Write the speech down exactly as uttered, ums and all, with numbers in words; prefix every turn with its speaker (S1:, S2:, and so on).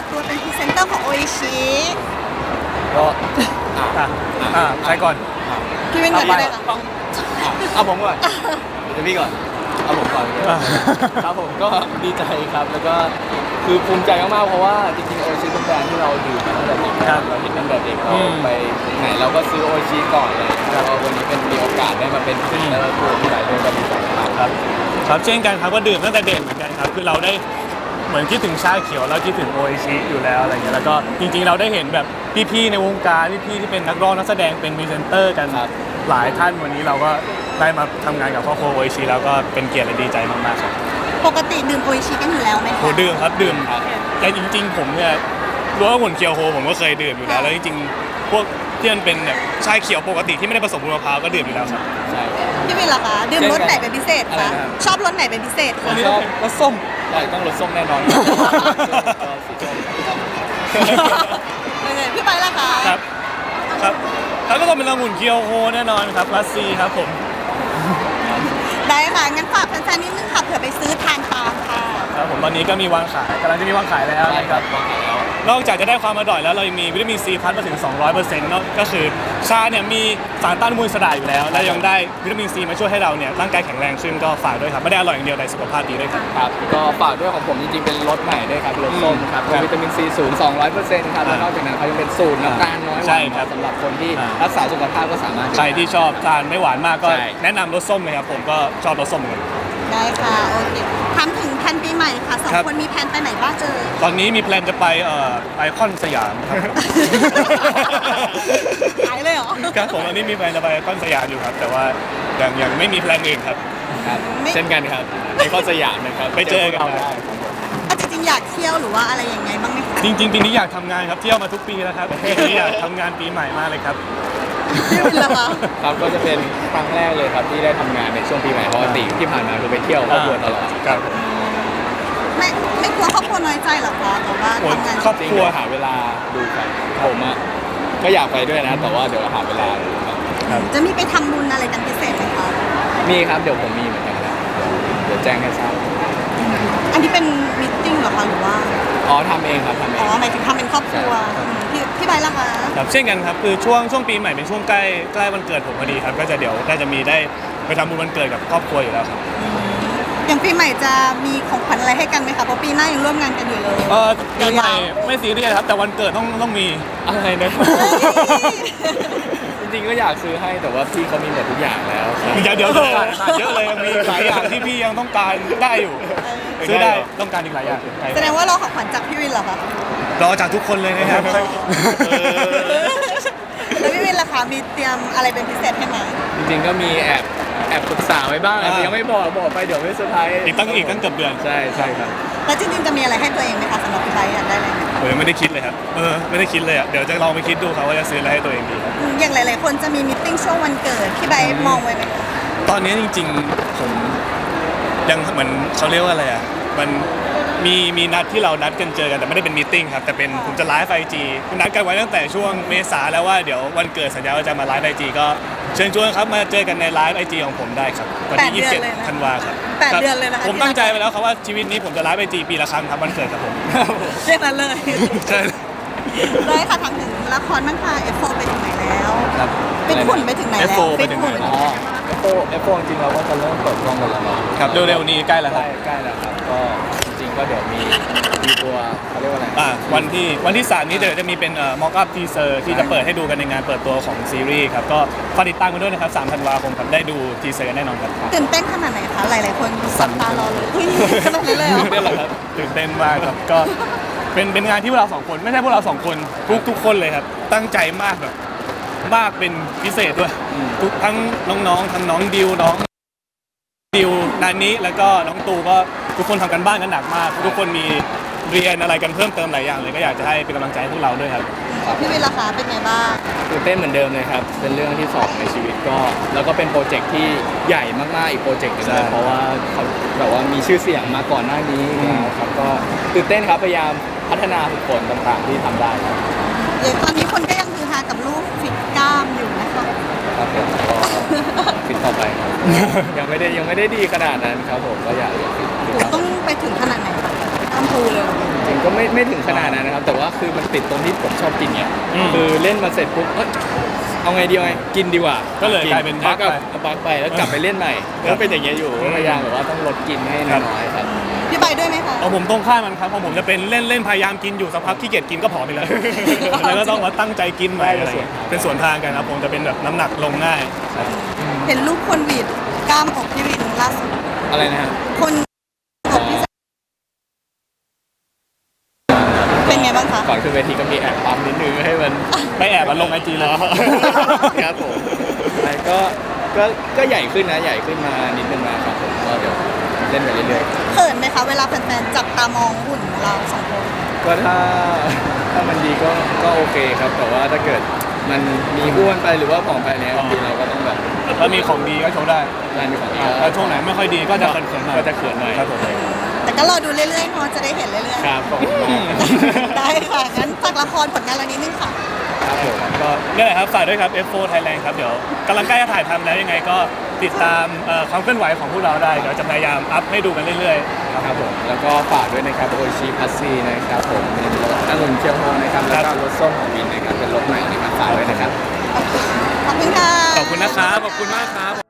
S1: ตัวเป็นพรีเซนเตอร์ของโออิชิ
S2: ก็อ่ะ
S3: อ่าอ่าใครก่อน
S1: พี่เป็นก่อนก็ได้ค่ะ
S2: ต้องเอาผมก่อนเดี๋ยวพี่ก่อนเอาผมก่อนเลยครับผมก็ดีใจครับแล้วก็คือภูมิใจมากๆเพราะว่าจริงๆโอชิเป็นแบรนด์ที่เราดื่มมาตั้งแต่เด็กครับเราเห็นตั้งแต่เด็กเราไปไหนเราก็ซื้อโอชิก่อนเลยแล้ววันนี้เป็นมีโอกาสได้มาเป็นพรีเซนเตอร์ตัวที่หลายเดือนก็ดีใจมาก
S3: ครับครับเช่นกันครับก็ดื่มตั้งแต่เด็กเหมือนกันครับคือเราได้เหมือนคิดถึงชาเขียวแล้วคิดถึงโออิชิอยู่แล้วอะไรเงี้ยแล้วก็จริงๆเราได้เห็นแบบพี่ๆในวงการพี่ๆที่เป็นนักร้องนักแสดงเป็นพรีเซนเตอร์กันหลายท่านวันนี้เราก็ได้มาทำงานกับครอบครัวโออิชิแล้วก็เป็นเกียรติและดีใจมากๆครับ
S1: ปกติดื่มโออิชิกันอยู่แล้วไหมคะ
S3: โหดื่มครับดื่มแต่จริงๆผมเนี่ยรู้ว่าหุ่นเคียวโฮผมก็เคยดื่มอยู่แล้วแล้วจริงๆพวกที่มันเป็นแบบชาเขียวปกติที่ไม่ได้ผสมมะพร้าวก็ดื่มอยู่แล้วครับ
S2: ใช่
S1: พี่วินล่ะคะดื่มรสไหนเป็นพิเศษ
S2: อะไร
S1: คะ
S2: นะครับ
S1: ชอบรสไหนเป็นพิเศษ
S2: ผ
S1: คะ
S2: มชอบรสส้มใช่ต้องรสส้มแน่นอนสีส้มครับ
S1: พี่ไปล่ะคะ
S3: ครับครับแล้วก็ต้องเป็นองุ่นเคียวโฮแน่นอนครับรัสซีครับผม
S1: ได้ค่ะงั้นฝากแฟนๆนิดนึงค่ะเผื่อไปซื้อทานตามค่ะ
S3: ครับผมตอนนี้ก็มีวางขายกำลังจะมีวางขายแล้ว
S2: ใช่
S3: นะ
S2: ค
S3: ค
S2: รั
S3: รั
S2: บบ วางขายแล้ว
S3: นอกจากจะได้ความอร่อยแล้วเรายังมีวิตามินซีพัดมาถึง สองร้อยเปอร์เซ็นต์ เนอะก็คือชาเนี่ยมีสารต้านอนุมูลอิสระอยู่แล้ว และยังได้วิตามินซีมาช่วยให้เราเนี่ยร่างกายแข็งแรงขึ้นก็ฝากด้วยครับไม่ได้อร่อยอย่างเดียวแต่สุขภาพดีด้วยครับ
S2: ครับก็ฝากด้วยของผมจริงๆเป็นรสใหม่ด้วยครับรสส้มครับ
S3: ครับ
S2: วิตามินซีสูง สองร้อยเปอร์เซ็นต์ ครับแล้วนอกจากนั้นเขายังเป็นสูตรน้ำตาลน้อยห
S3: ใช่
S2: วาน
S3: ครับ
S2: สำหรับคนที่
S3: อ่า
S2: รักษาสุขภาพก็สามารถ
S3: ใครที่ชอบทานไม่หวานมากก็
S2: ใช่
S3: แนะนำรสส้มเลยครับผมก็ชอบรสส้มเหมือนกัน
S1: ได้ค่ะโอเคถามถึงแผนปีใหม่ค่ะสอง
S3: ครับ
S1: คนมีแผนไปไหนบ้างเจอ
S3: ตอนนี้มีแพลนจะไปเอ่อไอคอนสยามครับ
S1: หายเลยเหรอ
S3: ครับผมตอนนี้มีแพลนจะไปไอคอนสยามอยู่ครับแต่ว่ายังยังไม่มีแพลนอื่นครับ
S2: ครับ
S1: ไม่
S2: เช่นกันครับในข้อสยามนะครับ
S3: ไปเจอกัน
S2: าได้
S1: อ่ะจริงๆอยากเที่ยวหรือว่าอะไรยังไงบ้างไหมคะ
S3: จริงๆปีนี้อยากทำงานครับเที่ยวมาทุกปีแล้วครับปีนี้อยากทำงานปีใหม่มากเลยครับ
S1: พี่วินล่ะคะ
S2: ครับก็จะเป็นครั้งแรกเลยครับที่ได้ทำงานในช่วงปีใหม่ปกติที่ผ่านมาคือไปเที่ยวครอบครัวตลอด
S3: ครับ
S1: ไม่ไม่กลัวครอบครัวน้อยใจเหรอคะแต่ว่า
S3: โอ้ย
S1: ทำงาน
S3: ครอบ
S2: จริง
S3: ครัว
S2: เดี๋ยวหาเวลาดูกันผมอะก็อยากไปด้วยนะ แต่ว่าเดี๋ยวหาเวลาดูครับ
S3: ครับ
S1: จะมีไปทำบุญอะไรกันพิเศษไหมคะ
S2: มีครับเดี๋ยวผมมีเหมือนกันครับเดี๋ยวแจ้งให้ทราบ
S1: อันนี้เป็นมิทติ้งเหรอคะหรือว่า
S2: อ๋อทำเองครับทำเอ
S1: อ๋อง หมายถึงทำเป็นครอบครัว
S2: ใช่
S1: อืมพี่พี่ใบล่ะคะ
S3: ครับเช่นกันครับคือช่วงช่วงปีใหม่เป็นช่วงใกล้ใกล้วันเกิดผมพอดีครับก็จะเดี๋ยวได้จะมีได้ไปทำบุญวันเกิดกับครอบครัวอยู่แล้วครับ
S1: อย่างปีใหม่จะมีของขวัญอะไรให้กันไหมคะเพราะปีหน้ายังร่วมงานกันอยู่เลย
S3: เออปีใหม่
S1: ยาว
S3: ไม่ซีเรียสครับแต่วันเกิดต้องต้องมี
S2: อะไรนะ
S1: ๆ
S2: จริงๆก็อยากซื้อให้แต่ว่าพี่เขามีหมดทุกอย่างแล้วครับ
S3: เดี๋ยวเดี๋ยวขาดขาดเยอะเลยยังมีหลายอย่างที่พี่ยังต้องการได้อยู่ซื้อได้ต้องการอีกหลายอย่าง
S1: แสดงว่าเราของขวัญจากพี่วินเหรอคะ
S3: รอจากทุกคนเลยนะครับ
S1: แล้วพี่วินล่ะคะมีเตรียมอะไรเป็นพิเศษให้ไหม
S2: จริงๆก็มีแอบแอบปรึกษาไว้บ้าง
S3: อ่า
S2: แต่ยังไม่บอกบอกไปเดี๋ยวไม่เซอร์ไพรส์
S3: อีกตั้งอีกตั้งเกือบเดือน
S2: ใช่ใช่ครับ
S1: แล้วจริงๆจะมีอะไรให้ตัวเองไหมคะสำหรับพี่ใบอยากได้อะไรไหม
S3: ผมยังไม่ได้คิดเลยครับเออไม่ได้คิดเลยอ่ะเดี๋ยวจะลองไปคิดดูครับว่าจะซื้ออะไรให้ตัวเองดีครับ
S1: อืมอย่างหลายๆคนจะมีมิทติ้งช่วงวันเกิดพี่ใบมองไว้ไหมคะ
S3: ตอนนี้จริงๆผมยังเหมือนเขาเรียกว่าอะไรอ่ะมันมีมีนัดที่เรานัดกันเจอกันแต่ไม่ได้เป็นมีตติ้งครับแต่เป็นผมจะไลฟ์ไอจีนัดกันไว้ตั้งแต่ช่วงเมษาแล้วว่าเดี๋ยววันเกิดสัญญาว่าจะมาไลฟ์ไอจีก็เชิญชวนครับมาเจอกันในไลฟ์ไอจีของผมได้ครับวันที่ยี่สิบเจ็ดธันวาครับ
S1: แปดเดือนเลยนะคะ
S3: ผมตั้งใจไปแล้วครับว่าชีวิตนี้ผมจะไลฟ์ไอจีปีละครั้งครับวันเกิดครับผม
S1: เรียกนั้นเลย
S3: ใช่
S1: ได้ค่ะทางถึงละครบ้างค่ะ เอฟ โฟร์ ไปถึงไหนแล้ว
S2: ครับ
S1: ฟิตหุ่นไปถึงไหนแล้ว
S3: เอฟ โฟร์ ไปถึงไหน
S1: ฟิต
S2: อ๋
S1: หุ่
S2: อเอฟโฟเอฟโฟจริงๆเราก็จะเริ่มเปิดกล้องกันแล้วเนาะ
S3: ครับเร็วๆนี้ใกล้แล้วค
S2: ใก
S3: รับ
S2: ล้ใกล้แล้วครับก็จริงๆก็เดี๋ยวมีมีตัวเขาเรียกว่าอะไร
S3: อ่าวันที่วันที่สามนี้เดี๋ยวจะมีเป็นเอ่อม็อกอัพทีเซอร์ที่จะเปิดให้ดูกันในงานเปิดตัวของซีรีส์ครับก็ฝากติดตามกันด้วยนะครับสามธันวาคมครับได้ดูทีเซอร์กันแน่นอนครับ
S1: ตื่นเต้นขนาดไหนคะ หลายๆคนสับตารอเลยอุ้ยขนาดนั้นเลยเหรอ
S3: นี่แหละครับตื่นเต้นมากครับก็เป็นเป็นงานที่พวกเราสองคนไม่ใช่พวกเราสองคนทุกทุกคนเลยครับตั้งใจมากแบบมากเป็นพิเศษด้วยทุกทั้งน้องๆทั้งน้องดิวน้องดิวนานิแล้วก็น้องตูก็ทุกคนทำกันบ้านกันหนักมาก ทุกคนมีเรียนอะไรกันเพิ่มเติมหลายอย่างเลยก็อยากจะให้เป็นกำลังใจให้พวกเราด้วยครับ
S1: พี่วินล่ะคะเป็นไงบ้าง
S2: ตื่นเต้นเหมือนเดิมเลยครับเป็นเรื่องที่สองในชีวิตก็แล้วก็เป็นโปรเจกต์ที่ใหญ่มากๆอีกโปรเจกต์หนึง
S3: ใช่
S2: เลยเพราะว่าเขาแบบว่ามีชื่อเสียงมาก่อนหน้านี้แล้วครับก็ตื่นเต้นครับพยายามพัฒนาฝึกฝนต่างๆที่ทำได้ครับ
S1: อย่างตอนนี้คนก็ยังคือฮากับรูปฟิตกล้ามอยู่นะคะ
S2: ครับผมก็ฟิตต่อไปครับ ยังไม่ได้ยังไม่ได้ดีขนาดนั้นครับผมก็อยากอยากฟิตฟิต
S1: หนู
S2: ต่อ
S1: ต้องไปถึงขนาดไหนคะ
S2: ก
S1: มพูเลย
S2: จริงก็ไม่ไม่ถึงขนาดนั้นนะครับ แต่ว่าคือมันติดตรงที่ผมชอบกินเนี่ย
S3: อืม
S2: คือเล่นมาเสร็จปุ๊บเอ้ยเอาไงดีเอาไงกินดีกว่า
S3: ก็เลยกลายเป็นบั๊ก
S2: แล้ว
S3: ไป
S2: ก็บักไปแล้วกลับไปเล่นใหม่
S3: ครับ
S2: ก็เป็นอย่างเงี้ยอยู่
S3: อืม
S2: พยายามแบบว่าต้องลดกินให้
S3: ครับ
S2: น้อยๆครับ
S1: พี่ใบด้วยไหมคะ
S3: เอาผมตรงข้ามมันครับเพราะผมจะเป็นเล่นเล่นพยายามกินอยู่สักพักขี้เกียจกินก็ผอมไปเลย แล้วก็ต้องมาตั้งใจกินใหม่อะไรอย่างเงี้ยเป็นสวนทางกันครับผมจะเป็นแบบน้ำหนักลงง่าย
S1: เห็นรูปคนหวีดกล้ามอกพี่วินล่าสุด
S2: อะไรนะฮะ
S1: คนอกพี่เป็นไงบ้างคะ
S2: ก่อนขึ้นเวทีก็มีแอบปั๊มนิดนึงให้มัน
S3: ไม่แอบมาลงไอจีเลย
S2: ครับผมใช่ก็ก็ก็ใหญ่ขึ้นนะใหญ่ขึ้นมานิดนึงนะครับผมก็เดี๋ยวเล่นไปเรื่อย
S1: เขินไหมคะเวลาแฟนๆจับตามองหุ่นเราสองคน
S2: ๆก็ถ้าถ้ามันดีก็ก็โอเคครับ แต่ว่าถ้าเกิดมันมีอ้วนไปหรือว่าผอมไปเนี้ยบางทีเราก็ต้องแบบ
S3: ถ้ามีของดีก็โชว์ได้
S2: งานมีของดี
S3: ถ้าช่วงไหนไม่ค่อยดีก็จะเขินๆหน่อย
S2: ก็จะเขินหน่อย
S3: ครับผม
S1: แต่ก็รอดูเรื่อยๆเนาะจะได้เห็นเรื่อย
S2: ครับผม
S1: ๆ ได้ค่ะงั้นฝากละครผลงานเรานิดนึงค่ะ
S2: ครับผม
S3: ก็นี่แหละครับฝากด้วยครับ เอฟ โฟร์ Thailand ครับเดี๋ยวกำลังใกล้จะถ่ายทำแล้วยังไงก็ติดตามเอ่อความเคลื่อนไหวของพวกเราได้เดี๋ยวจะพยายามอัพให้ดูกันเรื่อยๆ
S2: ครับผมแล้วก็ฝากด้วยนะครับโอชิพัซซีนะครับผมเป็นรถองุ่นเชียวโฮนะครับแล้วก็รถส้มของวินนะครับเป็นรถใหม่นะครับฝากด้วยนะครับ
S1: ขอบคุณค่ะ
S3: ขอบคุณนะครับ ขอบคุณมากครับ